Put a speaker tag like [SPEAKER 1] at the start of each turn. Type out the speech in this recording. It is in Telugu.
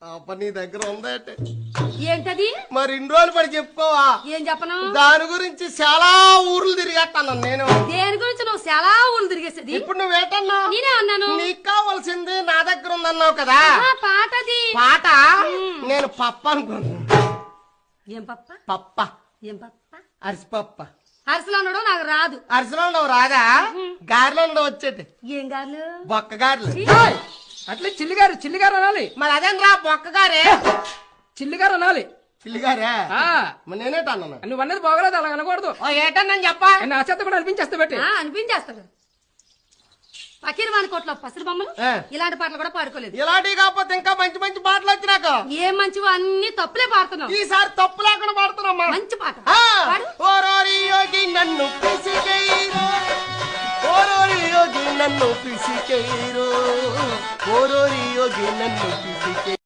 [SPEAKER 1] నీ దగ్గర ఉందంటే
[SPEAKER 2] ఏంటది?
[SPEAKER 1] మరి ఇన్ని రోజులు పడి చెప్పుకోవా?
[SPEAKER 2] ఏం చెప్పను?
[SPEAKER 1] దాని గురించి చాలా ఊర్లు తిరిగేస్తాను నేను.
[SPEAKER 2] దేని గురించి నువ్వు చాలా ఊళ్ళు తిరిగేసేది?
[SPEAKER 1] ఇప్పుడు నువ్వేటన్నా?
[SPEAKER 2] నేనే అన్నాను
[SPEAKER 1] నీకు కావాల్సింది నా దగ్గర ఉందన్నావు కదా.
[SPEAKER 2] పాటది
[SPEAKER 1] పాట నేను పప్ప అనుకున్నాను.
[SPEAKER 2] ఏం పప్ప?
[SPEAKER 1] పప్ప
[SPEAKER 2] ఏం పప్ప?
[SPEAKER 1] అరిసిపప్ప.
[SPEAKER 2] అరిసెలు ఉండడం నాకు రాదు.
[SPEAKER 1] అరిసెలో ఉండవు రాదా? గారెలో ఉండవు వచ్చేటి.
[SPEAKER 2] ఏం గారు?
[SPEAKER 1] బొక్క గారెలు.
[SPEAKER 3] అట్లే చిల్లిగారు అనాలి.
[SPEAKER 1] మరి అదేంద్రా బొక్క గారే?
[SPEAKER 3] చిల్లిగారు అనాలి.
[SPEAKER 1] పిల్లిగారే?
[SPEAKER 3] ఆ
[SPEAKER 1] మరి నేనేటన్నా?
[SPEAKER 3] నువ్వు అన్నది బాగోలేదు, అలా అనకూడదు.
[SPEAKER 1] ఏటన్నాను చెప్పా?
[SPEAKER 3] నా చేత కూడా అనిపించేస్తా పెట్టి
[SPEAKER 2] అనిపించేస్తాడు. ఫకీర్ వాని కోట్లో పసిరి బొమ్మలు ఇలాంటి పాటలు కూడా పాడుకోలేదు.
[SPEAKER 1] ఇలాంటివి కాకపోతే ఇంకా మంచి మంచి పాటలు వచ్చినాక
[SPEAKER 2] ఏం మంచివో అన్ని తప్పులే పాడుతున్నావు.
[SPEAKER 1] ఈసారి తప్పు లేకుండా పాడుతున్నామ్మా.
[SPEAKER 2] మంచి పాట పాడు.
[SPEAKER 1] ఓరోరి యోగి నన్ను పిసికేయరు, ఓరోరి యోగి నన్ను పిసికేయరు, ఓరోరి యోగి నన్ను పిసికే